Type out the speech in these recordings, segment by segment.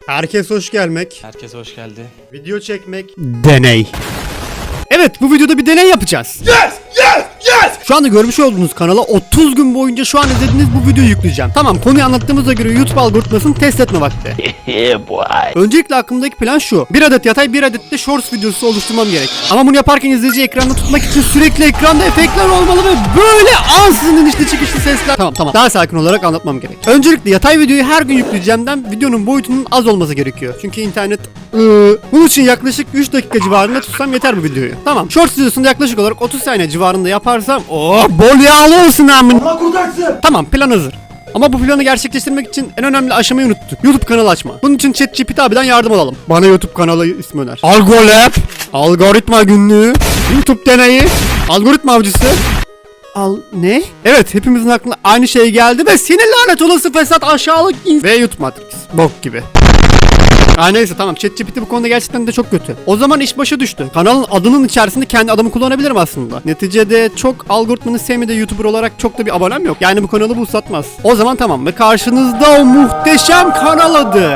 Herkes hoş gelmek. Herkes hoş geldi. Video çekmek. Deney. Evet, bu videoda bir deney yapacağız. Şu anda görmüş olduğunuz kanala 30 gün boyunca şu an izlediğiniz bu videoyu yükleyeceğim. Tamam, konuyu anlattığımıza göre YouTube algoritmasını test etme vakti. Öncelikle aklımdaki plan şu: bir adet yatay, bir adet de shorts videosu oluşturmam gerek. Ama bunu yaparken izleyiciyi ekranda tutmak için sürekli ekranda efektler olmalı ve böyle ansızın inişli çıkışlı sesler. Tamam. Daha sakin olarak anlatmam gerek. Öncelikle yatay videoyu her gün yükleyeceğimden videonun boyutunun az olması gerekiyor. Çünkü internet bunun için yaklaşık 3 dakika civarında tutsam yeter bu videoyu. Tamam. Shorts videosunda yaklaşık olarak 30 saniye civarında yaparsam bol yağlı olsun amin. Allah kurtarsın. Tamam, plan hazır. Ama bu planı gerçekleştirmek için en önemli aşamayı unuttuk: YouTube kanalı açma. Bunun için ChatGPT abiden yardım alalım. Bana YouTube kanalı ismi öner. Algolab, algoritma günlüğü, YouTube deneyi, algoritma avcısı. Ne? Evet, hepimizin aklına aynı şey geldi ve senin lanet olası fesat aşağılık ve YouTube Matrix. Bok gibi. Neyse tamam, ChatGPT bu konuda gerçekten de çok kötü. O zaman iş başa düştü. Kanalın adının içerisinde kendi adımı kullanabilirim aslında. Neticede çok algoritmanın sevmediği YouTuber olarak çok da bir abonem yok. Yani bu kanalı bu satmaz. O zaman tamam, ve karşınızda o muhteşem kanal adı.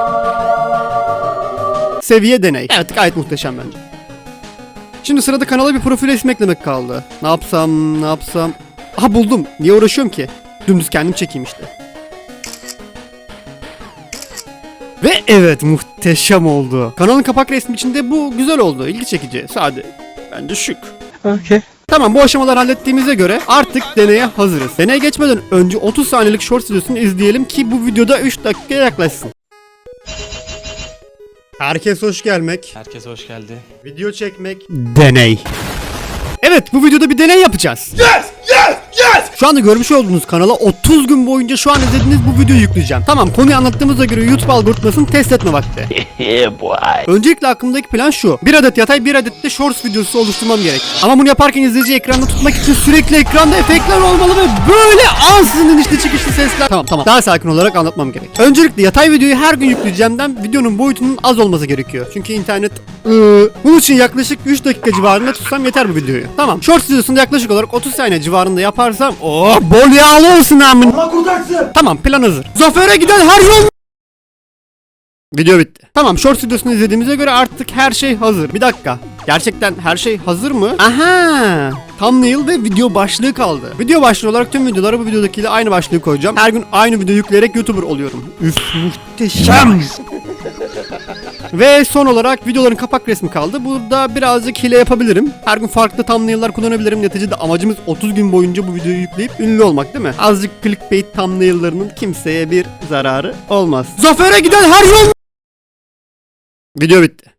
Seviye deney. Evet, gayet muhteşem bence. Şimdi sırada kanala bir profil resmi eklemek kaldı. Ne yapsam? Aha, buldum. Niye uğraşıyorum ki? Dümdüz kendim çekeyim işte. Ve evet, muhteşem oldu. Kanalın kapak resmi içinde bu güzel oldu. İlgi çekici, sade. Bence şık. Okay. Tamam, bu aşamaları hallettiğimize göre artık deneye hazırız. Deneye geçmeden önce 30 saniyelik shorts videosunu izleyelim ki bu videoda 3 dakikaya yaklaşsın. Herkes hoş gelmek. Herkes hoş geldi. Video çekmek. Deney. Evet, bu videoda bir deney yapacağız. Şu anda görmüş olduğunuz kanala 30 gün boyunca şu an izlediğiniz bu videoyu yükleyeceğim. Tamam, konuyu anlattığımıza göre YouTube algoritmasını test etme vakti. Öncelikle aklımdaki plan şu: bir adet yatay, bir adet de shorts videosu oluşturmam gerek. Ama bunu yaparken izleyiciyi ekranda tutmak için sürekli ekranda efektler olmalı ve böyle ansızın inişli çıkışlı sesler. Tamam. Daha sakin olarak anlatmam gerek. Öncelikle yatay videoyu her gün yükleyeceğimden videonun boyutunun az olması gerekiyor. Çünkü internet bunun için yaklaşık 3 dakika civarında tutsam yeter bu videoyu. Tamam. Shorts videosunda yaklaşık olarak 30 saniye civarında yaparsam bol yağlı olsun amin. Allah kurtarsın. Tamam, plan hazır. Zafere giden her yol. Video bitti. Tamam, shorts videosunu izlediğimize göre artık her şey hazır. Bir dakika. Gerçekten her şey hazır mı? Aha! Thumbnail ve video başlığı kaldı. Video başlığı olarak tüm videolara bu videodakiyle aynı başlığı koyacağım. Her gün aynı video yükleyerek YouTuber oluyorum. Üf, muhteşem. Ve son olarak videoların kapak resmi kaldı. Burada birazcık hile yapabilirim. Her gün farklı thumbnail'lar kullanabilirim. Neticede amacımız 30 gün boyunca bu videoyu yükleyip ünlü olmak, değil mi? Azıcık clickbait thumbnail'larının kimseye bir zararı olmaz. Zafere giden her yol. Video bitti.